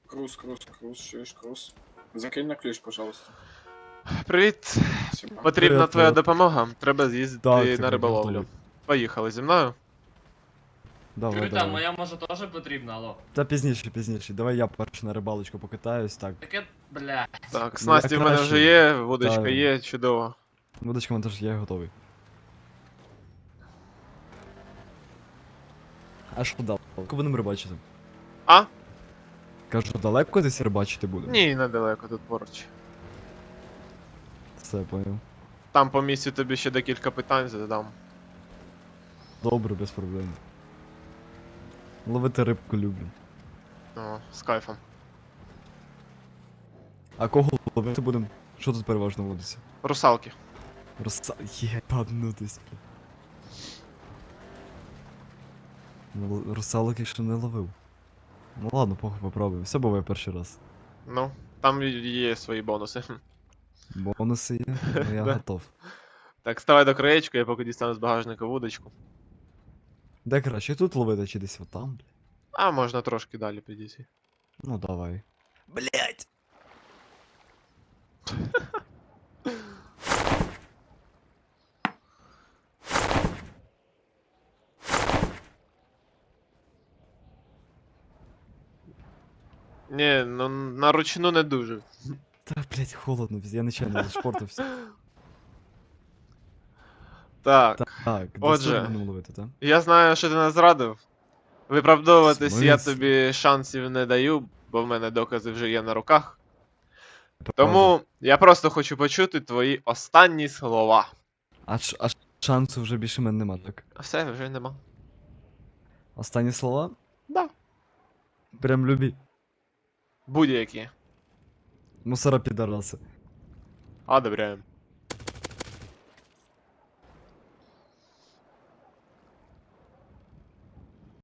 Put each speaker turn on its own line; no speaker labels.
Круз, чуєш, круз. Закинь на ключ, пожалуйста.
Привіт.
Спасибо.
Потрібна
Привіт,
твоя
привіт.
допомога. Треба з'їздити
Так,
на
так,
риболовлю.
готовий.
Поїхали зі мною.
Давай,
Чуєте,
давай.
моя може теж потрібна, алло.
Та пізніше. Давай я перше на рибалочку покатаюсь, так.
Таке, блядь.
Так, снасті в мене
краще.
вже є, вудочка
Та-
є, чудово.
Водочка мене теж є, готовий. А що далеко будемо рибачити?
А?
Кажу, далеко десь рибачити будемо?
Ні, недалеко, тут поруч.
Все, поняв.
Там по місці тобі ще декілька питань задам.
Добре, без проблем. Ловити рибку люблю.
О, з кайфом.
А кого ловити будемо? Що тут переважно водиться?
Русалки.
Єбанутись. Русалок я ще не ловив. Ну ладно, похуй попробуємо. Все буває перший раз.
Ну, там є свої бонуси.
Бонуси є, ну я
Да.
готов.
Так, ставай до краєчка, я поки дістану з багажника вудочку.
Де краще тут ловити чи десь отам, блядь?
А можна трошки далі підійти.
Ну давай. Блять!
Ні, ну на ручну не дуже.
Та, блять, холодно, я нечайно зашпортився.
Так,
Так, десь
Отже.
тут будемо ловити, так?
я знаю, що ти нас зрадив. Виправдовуватись я
Смисл?
тобі шансів не даю, бо в мене докази вже є на руках. Тому я просто хочу почути твої останні слова.
А шансу вже більше в мене нема, так?
А все, вже нема.
Останні слова?
Да.
Прям любі.
Будь-які.
Мусора підараси.
Одобряємо.